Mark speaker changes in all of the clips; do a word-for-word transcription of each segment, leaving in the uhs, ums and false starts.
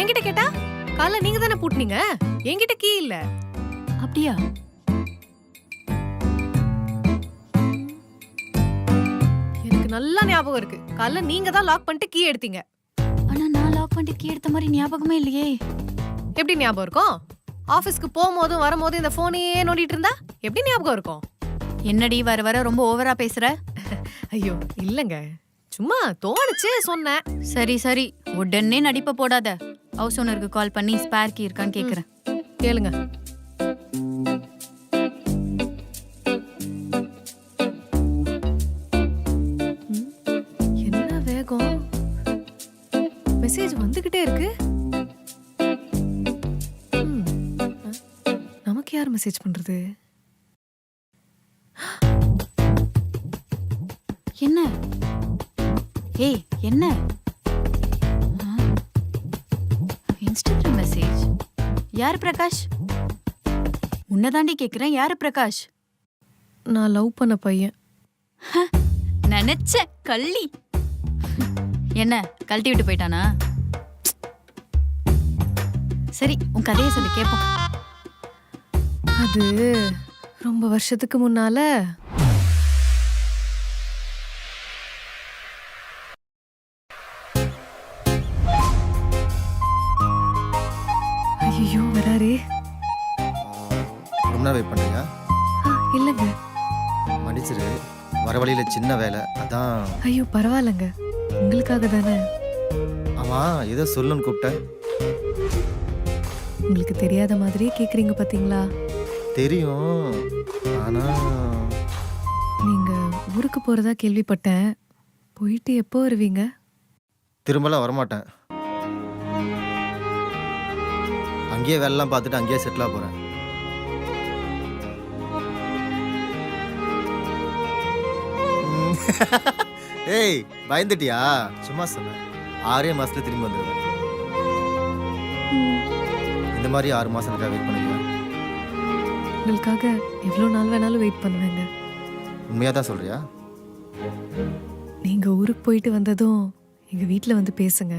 Speaker 1: என்கிட்ட கேட்டா காலைல நீங்க தானே பூட்டினீங்க, என்கிட்ட கீ இல்ல.
Speaker 2: அப்படியா?
Speaker 1: எனக்கு நல்லா ஞாபகம் இருக்கு, காலைல நீங்க தான் லாக் பண்ணிட்டு கீ எடுத்தீங்க.
Speaker 2: ஆனா நான் லாக் பண்ணிட்டு கீ எடுத்த மாதிரி ஞாபகமே இல்லையே.
Speaker 1: எப்படி ஞாபகம் இருக்கும்? ஆபீஸ்க்கு போகும்போதும் வரும்போதும் இந்த போனையே நோண்டிட்டு இருந்தா எப்படி ஞாபகம் இருக்கும்?
Speaker 2: என்னடி வர வர ரொம்ப ஓவரா பேசுற?
Speaker 1: ஐயோ இல்லங்க, சும்மா தோணுச்சு சொன்னேன்.
Speaker 2: சரி சரி, உடனே நடிப்ப போடாத. ஹவுஸ் ஓனருக்கு கால் பண்ணி ஸ்பேர் கீ இருக்கான்னு கேக்குறேன்.
Speaker 1: கேளுங்க. என்ன வேகம், மெசேஜ் வந்துகிட்டே இருக்கு. நமக்கு யார் மெசேஜ் பண்றது?
Speaker 2: என்ன? ஏய் என்ன? Instagram message. யாரு பிரகாஷ்? உன்னதாண்டி கேக்குறேன், யாரு பிரகாஷ்?
Speaker 1: நான் லவ் பண்ண பையன்.
Speaker 2: நினைச்ச கள்ளி. என்ன கழட்டி விட்டு போயிட்டானா? சரி உன் கதையை சொல்லி கேப்போம்.
Speaker 1: அது ரொம்ப வருஷத்துக்கு முன்னால ஐயோ வராரே.
Speaker 3: ரொம்ப நேரம் வெயிட் பண்ணுறியா?
Speaker 1: இல்லைங்க.
Speaker 3: மன்னிச்சிரு, வர வழியில் சின்ன வேலை அதான்.
Speaker 1: ஐயோ பரவாயில்லைங்க, உங்களுக்காக தானே.
Speaker 3: ஆமாம், ஏதோ சொல்லுன்னு கூப்பிட்டேன்.
Speaker 1: உங்களுக்கு தெரியாத மாதிரியே கேக்குறீங்க பாத்தீங்களா?
Speaker 3: தெரியும், ஆனால்
Speaker 1: நீங்க ஊருக்கு போறதா கேள்விப்பட்டேன். போயிட்டு எப்போ வருவீங்க?
Speaker 3: திரும்பலாம் வரமாட்டேன். அங்கேயே வேலைலாம் பார்த்துட்டு அங்கேயே செட்டிலாக போகிறேன். ஏய் பயந்துட்டியா? சும்மா சொன்னேன். ஆறே மாசத்துல திரும்பி வந்துடுவேன். இந்த மாதிரி ஆறு மாசம் எனக்காக வெயிட் பண்ணுவேன்.
Speaker 1: உங்களுக்காக எவ்வளோ நாள் வேணாலும் வெயிட் பண்ணுவேங்க.
Speaker 3: உண்மையாக தான் சொல்றியா?
Speaker 1: நீங்க ஊருக்கு போயிட்டு வந்ததும் எங்க வீட்டில் வந்து பேசுங்க.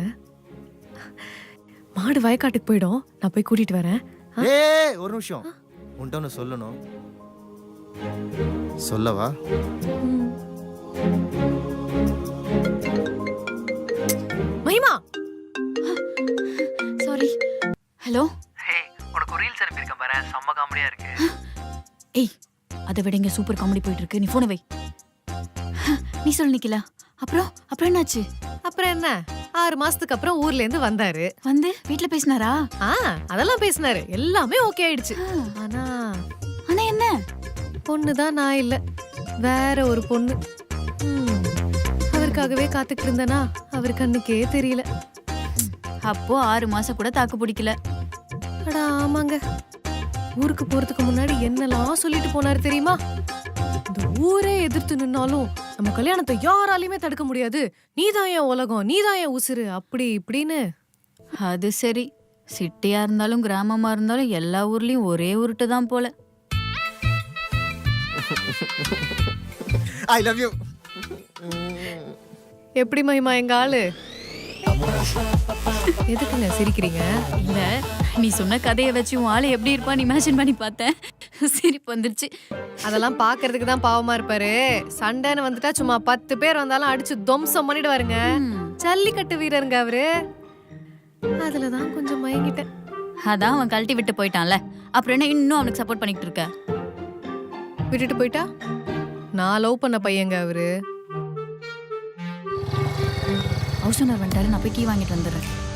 Speaker 1: மாடு வயக்காட்டுக்கு போயிடும், நான் போய் கூட்டிட்டு வரேன்.
Speaker 3: ஏய் ஒரு நிமிஷம், உன்கிட்ட ஒன்று சொல்லணும். சொல்லவா?
Speaker 1: மகிமா.
Speaker 2: சாரி. ஹலோ.
Speaker 4: ஹே, உனக்கு ஒரு ரீல்ஸ் அனுப்பியிருக்கேன் பாரு, செம்ம காமெடியா இருக்கு.
Speaker 2: ஏய் அதை விட இங்க சூப்பர் காமெடி போயிட்டு இருக்கு, நீ போனை வை. நீ சொல்லு நிக்கலா. அப்புறம் அப்புறம் என்னாச்சு?
Speaker 1: அப்புறம் என்ன, ஆறு மாசத்துக்கு அப்புறம் ஊர்ல இருந்து வந்தாரு.
Speaker 2: வந்து வீட்டுல பேசினாரா?
Speaker 1: ஆ அதெல்லாம் பேசினாரு, எல்லாமே ஓகே ஆயிடுச்சு. ஆனா
Speaker 2: ஆனா என்ன?
Speaker 1: பொண்ணுதான் நான் இல்ல, வேற ஒரு பொண்ணு. ம், அவருக்காகவே காத்துட்டு இருந்தனா அவர் கண்ணுக்கே தெரியல.
Speaker 2: அப்போ ஆறு மாசம் கூட தாக்கு பிடிக்கல.
Speaker 1: அடா ஆமாங்க, ஊருக்கு போறதுக்கு முன்னாடி என்னெல்லாம் சொல்லிட்டு போனாரு தெரியுமா? இந்த ஊரே எதிர்த்து நின்னாலும் நம்ம கல்யாணத்தை யாராலையுமே தடுக்க முடியாது, நீதான் என் உலகம், நீதான் என் உசுரு, அப்படி இப்படின்னு.
Speaker 2: அது சரி, சிட்டியா இருந்தாலும் கிராமமா இருந்தாலும் எல்லா ஊர்லயும் ஒரே உருட்டு தான் போல.
Speaker 3: I love you.
Speaker 1: எப்படி மகிமா எங்க ஆளு? எதுக்குங்க சிரிக்கிறீங்க?
Speaker 2: இல்ல நீ சொன்ன கதையை வச்சு உன் ஆளு எப்படி இருப்பான்னு இமேஜின் பண்ணி பார்த்தேன், சிரிப்பு வந்துருச்சு.
Speaker 1: அதெல்லாம் பாக்குறதுக்கு தான் பாவமா இருப்பாரு. சண்டைன்னு வந்துட்டா சும்மா பத்து பேர் வந்தாலும் அடிச்சு துவம்சம் பண்ணிட்டு வருங்க. ஜல்லிக்கட்டு வீரருங்க அவரு. அதுலதான் கொஞ்சம் மயங்கிட்டேன்.
Speaker 2: அதான் அவன் கழட்டி விட்டு போயிட்டான்ல, அப்புறம் என்ன இன்னும் அவனுக்கு சப்போர்ட் பண்ணிட்டு இருக்க?
Speaker 1: விட்டுட்டு போயிட்டா? நான் லவ் பண்ண பையங்க அவரு.
Speaker 2: ஹவுஸ் ஓனர் வந்துட்டாரு, நான் போய் கீ வாங்கிட்டு வந்துடுறேன்.